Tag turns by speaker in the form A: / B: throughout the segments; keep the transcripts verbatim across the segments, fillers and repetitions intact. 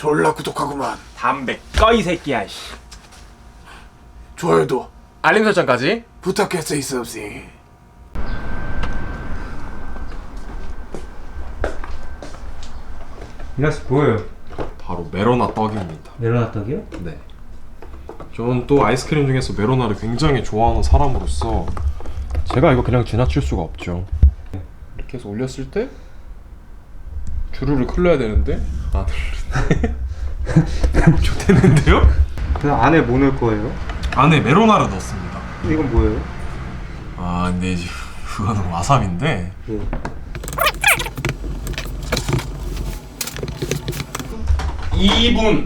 A: 졸라 구독하구만.
B: 담배 꺼 이 새끼야. 씨.
A: 좋아요도
C: 알림 설정까지
A: 부탁했어 있었지.
D: 이라씨 뭐예요?
C: 바로 메로나 떡입니다.
D: 메로나 떡이요?
C: 네. 저는 또 아이스크림 중에서 메로나를 굉장히 좋아하는 사람으로서 제가 이거 그냥 지나칠 수가 없죠. 이렇게 해서 올렸을 때 주르륵 흘러야 되는데 안 흘리네. 좋댔는데요?
D: 그 안에 뭐 넣을 거예요?
C: 안에 메로나를 넣었습니다.
D: 이건 뭐예요?
C: 아 근데 이제 그거는 와사비인데
D: 예.
C: 이 분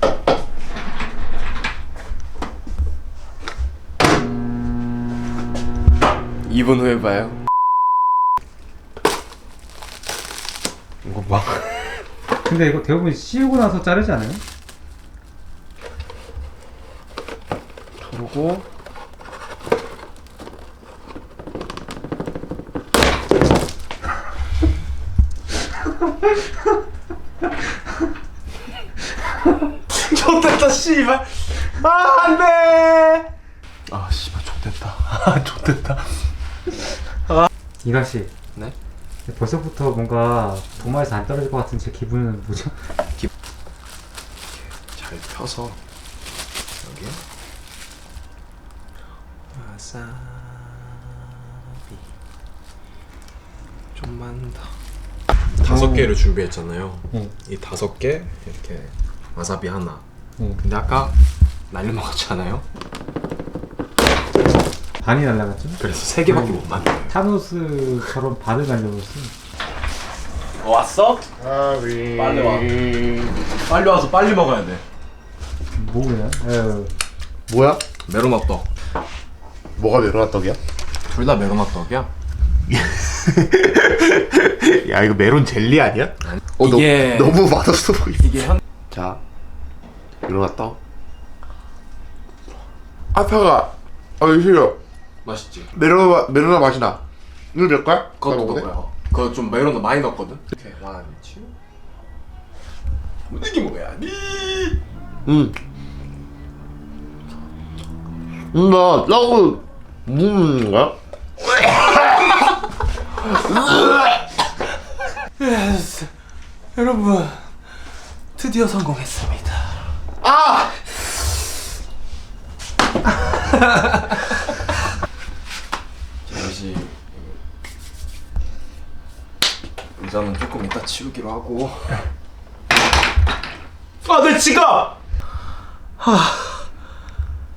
C: 이 분 후에 봐요. 이거 봐.
D: 근데 이거 대부분 씌우고 나서 자르지 않아요?
C: 그리고
B: 좋됐다 씨발. 아 안돼.
C: 아 씨발 좋댔다. 아 좋댔다.
D: 이라씨.
C: 네?
D: 벌써부터 뭔가 도마에서 안 떨어질 것 같은 제 기분은 뭐죠?
C: 잘 펴서 여기 와사비 좀만 더. 다섯 개를 준비했잖아요.
D: 네.
C: 이 다섯 개 이렇게 와사비 하나.
D: 네.
C: 근데 아까 날려 먹었잖아요.
D: 반이 날라갔죠?
C: 그래서 세 개밖에 못 만들어요.
D: 타노스처럼 반을 날려버렸어.
B: 어, 왔어?
A: 아비.
B: 빨리 와. 빨리 와서 빨리 먹어야 돼.
D: 뭐야? 에휴.
A: 뭐야?
C: 메로나 떡.
A: 뭐가 메로나 떡이야?
C: 둘 다 메로나 떡이야?
A: 야 이거 메론 젤리 아니야? 어,
B: 이게-
A: 너, 너무 맛없어 보이네.
B: 이게 현
A: 자, 메로나 떡. 아파가. 아 이거 싫어.
C: 맛있지?
A: 메로나 메로나 맛이 나. 이거 몇 거야?
C: 그것도
A: 나 먹어도 돼?
C: 먹어요. 그거 좀 메로나 많이 넣었거든? 이렇게 원, 투 이게 뭐야? 니
A: 응. 음, 나 떡을 먹는 거야?
B: 여러분 드디어 성공했습니다.
A: 아!
C: 잠시 의자는 조금 이따 치우기로 하고.
B: 아 내 지갑. 아